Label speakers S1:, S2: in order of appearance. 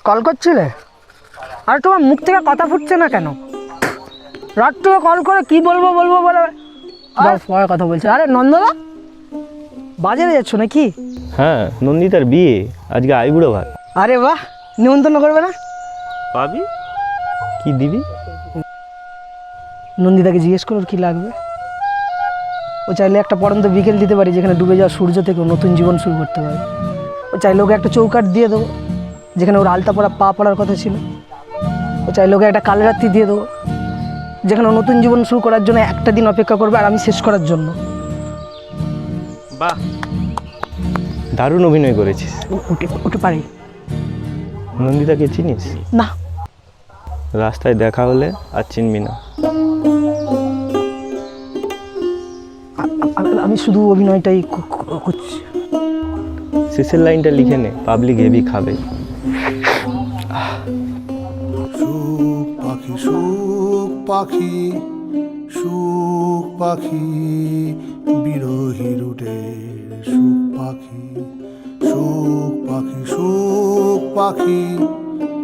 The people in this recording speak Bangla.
S1: কল করছিলে? আর তোমার মুখ থেকে কথা ফুটছে না কেন? রাত থেকে কল করে কি বলবো বলবো বলে পরে কথা বলছে। আরে নন্দদা, বাজারে যাচ্ছ নাকি?
S2: হ্যাঁ, নন্দিতার বিয়ে আজকে আইবুড়ো ভাত।
S1: আরে বাহ, নিমন্ত্রণ করবে না?
S2: পাবি, কি দিবি?
S1: নন্দিতাকে জিজ্ঞেস করো কি লাগবে। ও চাইলে একটা পড়ন্ত বিকেল দিতে পারি যেখানে ডুবে যাওয়া সূর্য থেকে নতুন জীবন শুরু করতে পারে। ও চাইলে ওকে একটা চৌকাঠ দিয়ে দেবো যেখানে ওর আলতা পড়া পা পড়ার কথা ছিল। ও চাইলে ওকে একটা কালরাত্রি দিয়ে দেবো যেখানে ও নতুন জীবন শুরু করার জন্য একটা দিন অপেক্ষা করবে আর আমি শেষ করার জন্য।
S2: বাহ, দারুণ অভিনয় করেছিস।
S1: ওকে পারি।
S2: নন্দিতাকে চিনিস?
S1: না।
S2: রাস্তায় দেখা হলে আর চিনবি না।
S1: আমি শুধু অভিনয়টাই করছি।
S2: শেষের লাইনটা লিখে নে, পাবলিক হেভি খাবে।
S3: সুখ পাখি, সুখ পাখি, সুখ পাখি, বিরহী রুটের সুখ পাখি, সুখ পাখি, সুখ পাখি।